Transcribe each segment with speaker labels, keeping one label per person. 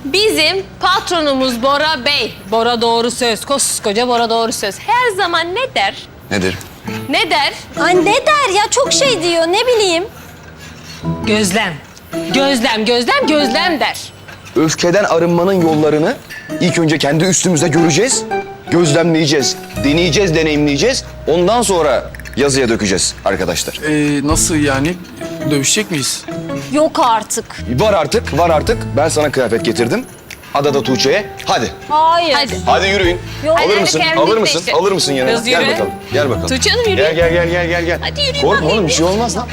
Speaker 1: Bizim patronumuz Bora Bey, Bora Doğru Söz, koskoca Bora Doğru Söz her zaman ne der?
Speaker 2: Nedir?
Speaker 1: Ne der?
Speaker 3: Ay ne der ya, çok şey diyor, ne bileyim.
Speaker 1: Gözlem. Gözlem, gözlem, gözlem der.
Speaker 2: Öfkeden arınmanın yollarını ilk önce kendi üstümüzde göreceğiz, gözlemleyeceğiz, deneyeceğiz, deneyimleyeceğiz. Ondan sonra yazıya dökeceğiz arkadaşlar.
Speaker 4: Nasıl yani? Dövüşecek miyiz?
Speaker 3: Yok artık.
Speaker 2: Var artık, var artık. Ben sana kıyafet getirdim. Ada da Tuğçe'ye. Hadi.
Speaker 3: Hayır.
Speaker 1: Hadi.
Speaker 2: Hadi yürüyün.
Speaker 3: Yok.
Speaker 2: Alır
Speaker 1: Hadi,
Speaker 2: mısın?
Speaker 1: hadi,
Speaker 2: Alır
Speaker 1: kendi
Speaker 2: mısın?
Speaker 1: işte.
Speaker 2: Alır mısın yanına?
Speaker 1: Kız
Speaker 2: Gel
Speaker 1: yürü.
Speaker 2: bakalım. Gel bakalım.
Speaker 1: Tuğçe Hanım yürü.
Speaker 2: Gel.
Speaker 1: Hadi yürüyün.
Speaker 2: Korkma oğlum, bir şey olmaz lan.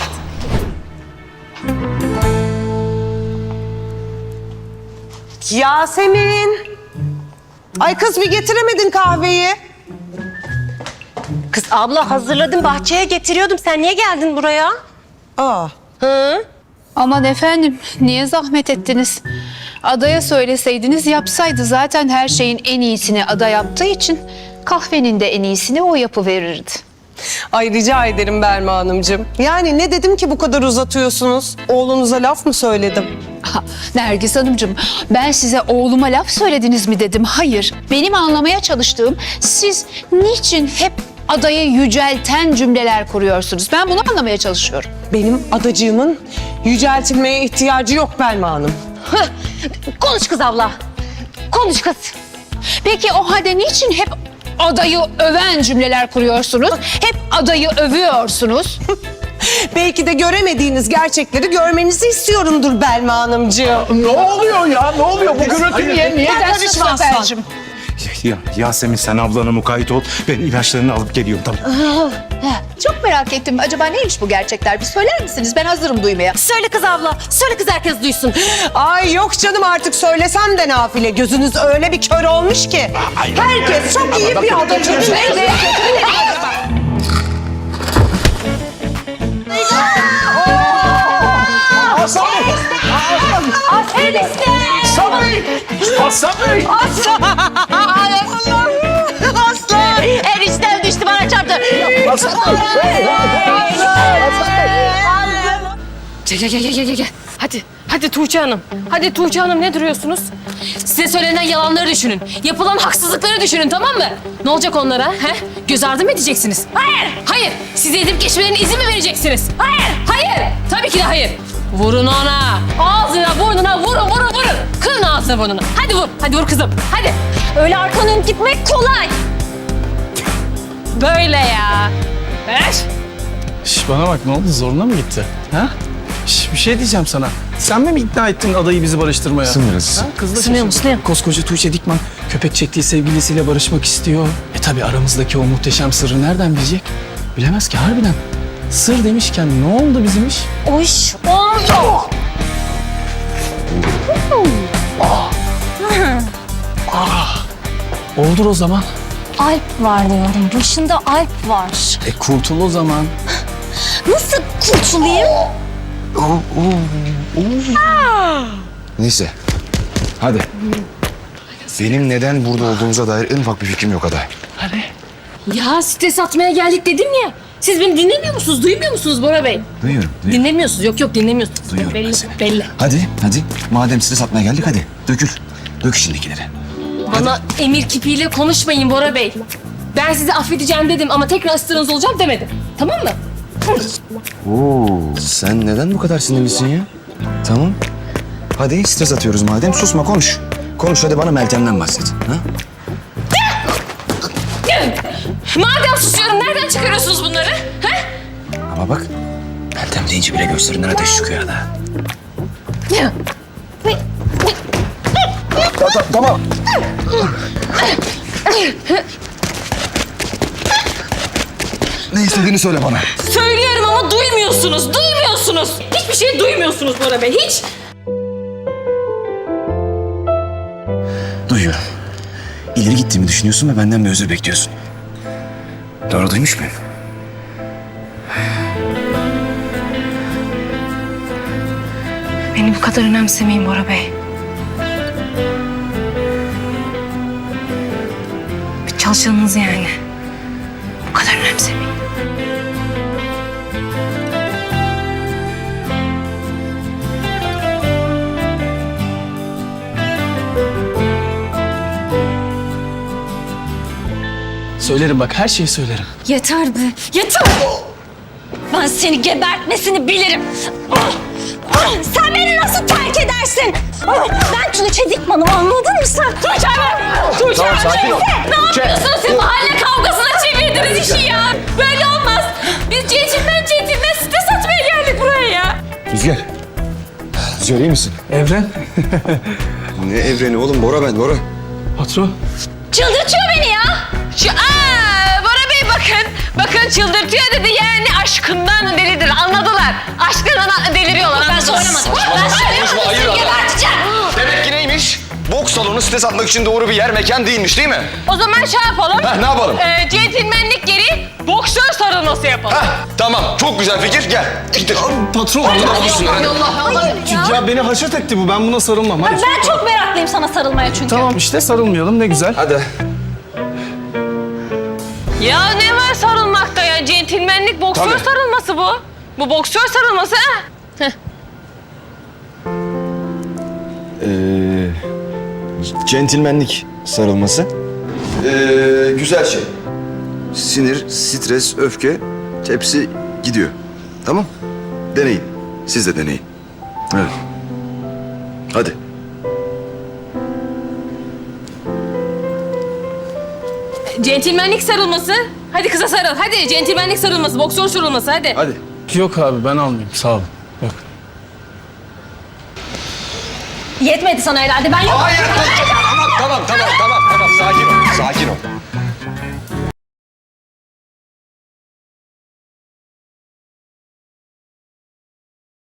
Speaker 5: Yasemin. Ay kız bir getiremedin kahveyi.
Speaker 3: Kız abla hazırladım, bahçeye getiriyordum. Sen niye geldin buraya?
Speaker 5: Aa.
Speaker 6: Aman efendim, niye zahmet ettiniz? Adaya söyleseydiniz yapsaydı. Zaten her şeyin en iyisini ada yaptığı için kahvenin de en iyisini o yapıverirdi.
Speaker 5: Ay rica ederim Belma Hanımcığım. Yani ne dedim ki bu kadar uzatıyorsunuz? Oğlunuza laf mı söyledim?
Speaker 6: Ha, Nergis Hanımcığım, ben size oğluma laf söylediniz mi dedim. Hayır, benim anlamaya çalıştığım siz niçin hep adayı yücelten cümleler kuruyorsunuz? Ben bunu anlamaya çalışıyorum.
Speaker 5: Benim adacığımın yüceltilmeye ihtiyacı yok Belma Hanım.
Speaker 6: Hıh, konuş kız abla, konuş kız. Peki o halde niçin hep adayı öven cümleler kuruyorsunuz? Hep adayı övüyorsunuz.
Speaker 5: Belki de göremediğiniz gerçekleri görmenizi istiyorumdur Belma Hanımcığım.
Speaker 4: Ne oluyor ya? Ne oluyor? Bu gürültü niye?
Speaker 6: Neden
Speaker 5: karışma
Speaker 6: sus
Speaker 5: aslan.
Speaker 6: Zafer'cim?
Speaker 7: Yasemin sen ablana mukayyet ol. Ben ilaçlarını alıp geliyorum, tamam.
Speaker 6: Çok merak ettim. Acaba neymiş bu gerçekler? Bir söyler misiniz? Ben hazırım duymaya.
Speaker 3: Söyle kız abla, söyle kız, herkes duysun.
Speaker 5: Ay yok canım, artık söylesem de nafile. Gözünüz öyle bir kör olmuş ki. Herkes çok iyi bir adacı.
Speaker 4: Hasan Bey!
Speaker 3: Eniştem düştü, bana çarptı.
Speaker 1: Gel. Hadi Tuğçe Hanım. Hadi Tuğçe Hanım, ne duruyorsunuz? Size söylenen yalanları düşünün. Yapılan haksızlıkları düşünün, tamam mı? Ne olacak onlara? He? Göz ardı mı edeceksiniz? Hayır. Size edip geçmelerine izin mi vereceksiniz? Hayır. Tabii ki de hayır. Vurun ona. Ağzına, burnuna vurun. Kırın ağzına, burnuna. Hadi vur kızım. Hadi.
Speaker 3: Öyle arkanı dönüp gitmek kolay.
Speaker 1: Böyle ya. Ver.
Speaker 4: Şş, bana bak, ne oldu? Zoruna mı gitti? Ha? Şş, bir şey diyeceğim sana. Sen mi ikna ettin adayı bizi barıştırmaya?
Speaker 2: Sınırız.
Speaker 4: Ha? Kızla
Speaker 1: Sınıyorum,
Speaker 4: şaşırdım.
Speaker 1: sınıyorum.
Speaker 4: Koskoca Tuğçe Dikman köpek çektiği sevgilisiyle barışmak istiyor. Tabii aramızdaki o muhteşem sırrı nereden bilecek? Bilemez ki harbiden. Sır demişken ne oldu bizim iş?
Speaker 3: O iş olmuyor.
Speaker 4: Oldur o zaman.
Speaker 3: Alp var diyorum, başında Alp var.
Speaker 4: Kurtul o zaman.
Speaker 3: Nasıl kurtulayım?
Speaker 2: Neyse. Hadi. Benim neden burada olduğumuza dair en ufak bir fikrim yok Ada.
Speaker 1: Ya stres atmaya geldik dedim ya. Siz beni dinlemiyor musunuz? Duymuyor musunuz Bora Bey?
Speaker 2: Duyuyorum.
Speaker 1: Dinlemiyorsunuz. Yok dinlemiyorsunuz.
Speaker 2: Duyuyorum ben
Speaker 1: Belli,
Speaker 2: seni.
Speaker 1: belli.
Speaker 2: Hadi. Madem size satmaya geldik hadi. Dökül. Dök içindekileri.
Speaker 1: Bana emir kipiyle konuşmayın Bora Bey. Ben sizi affedeceğim dedim ama tekrar ısrarınız olacağım demedim. Tamam mı?
Speaker 2: Oo, sen neden bu kadar sinirlisin ya? Tamam. Hadi stres atıyoruz madem. Susma, konuş. Konuş, hadi bana Meltem'den bahset. Ha?
Speaker 1: Madem susuyorum, nereden çıkarıyorsunuz bunları? Ha?
Speaker 2: Ama bak, Meltem deyince bile göğüslerinden ateş çıkıyor Ada. Tamam. Ne istediğini söyle bana.
Speaker 1: Söylüyorum ama duymuyorsunuz. Hiçbir şey duymuyorsunuz Bora Bey, hiç.
Speaker 2: Duyuyorum. İleri gittiğimi düşünüyorsun ve benden bir özür bekliyorsun. Doğru duymuş muyum?
Speaker 1: Beni bu kadar önemsemeyin Bora Bey. Bir çalışanınız yani. Bu kadar önemsemeyin.
Speaker 4: Söylerim bak, her şeyi söylerim.
Speaker 8: Yeter be, yeter! Ben seni gebertmesini bilirim. Sen beni nasıl terk edersin? Ben Tuğçe Dikman'ım, anladın mı sen?
Speaker 1: Tuğçe abi! Tuğçe
Speaker 2: Tamam,
Speaker 1: abi!
Speaker 2: sakin ol.
Speaker 1: Ne yapıyorsunuz siz? Mahalle kavgasına çevirdiniz işi ya. Böyle olmaz. Biz centilmen site satmaya geldik buraya ya.
Speaker 2: Rüzgar. Rüzgar iyi misin?
Speaker 4: Evren.
Speaker 2: Ne evreni oğlum? Bora ben, Bora.
Speaker 4: Patron.
Speaker 8: Çıldırtıyor beni ya.
Speaker 1: Bora Bey bakın. Bakın çıldırtıyor dedi yani aşkından delidir. Anladılar. Aşkından deliriyorlar.
Speaker 8: Ben söylemadim. Ben söylemadım.
Speaker 2: ayır
Speaker 8: Seni
Speaker 2: adam.
Speaker 8: geberteceğim.
Speaker 2: Demek ki neymiş? Boks salonu site satmak için doğru bir yer, mekan değilmiş değil mi?
Speaker 1: O zaman şey yapalım.
Speaker 2: Heh, ne yapalım?
Speaker 1: Centilmenlik geri boksör sarılması yapalım.
Speaker 2: Heh, tamam. Çok güzel fikir. Gel. Gittir.
Speaker 4: Patron. Ya beni haşet etti bu. Ben buna sarılmam. Hadi.
Speaker 8: Ben çok meraklıyım sana sarılmaya çünkü.
Speaker 4: Tamam işte, sarılmayalım, ne güzel.
Speaker 2: Hadi.
Speaker 1: Ya ne var sarılmakta ya? Centilmenlik boksör
Speaker 2: Tabii.
Speaker 1: sarılması bu. Bu boksör sarılması ha?
Speaker 2: Centilmenlik sarılması. Güzel şey. Sinir, stres, öfke hepsi gidiyor. Tamam? Deneyin. Siz de deneyin. Evet. Hadi.
Speaker 1: Centilmenlik sarılması. Hadi kıza sarıl. Hadi centilmenlik sarılması, boksör sarılması hadi.
Speaker 2: Hadi.
Speaker 4: Yok abi, ben almayayım, sağ olun. Yok.
Speaker 8: Yetmedi sana herhalde. Ben yok.
Speaker 2: Hayır. Tamam. Sakin ol. Sakin ol.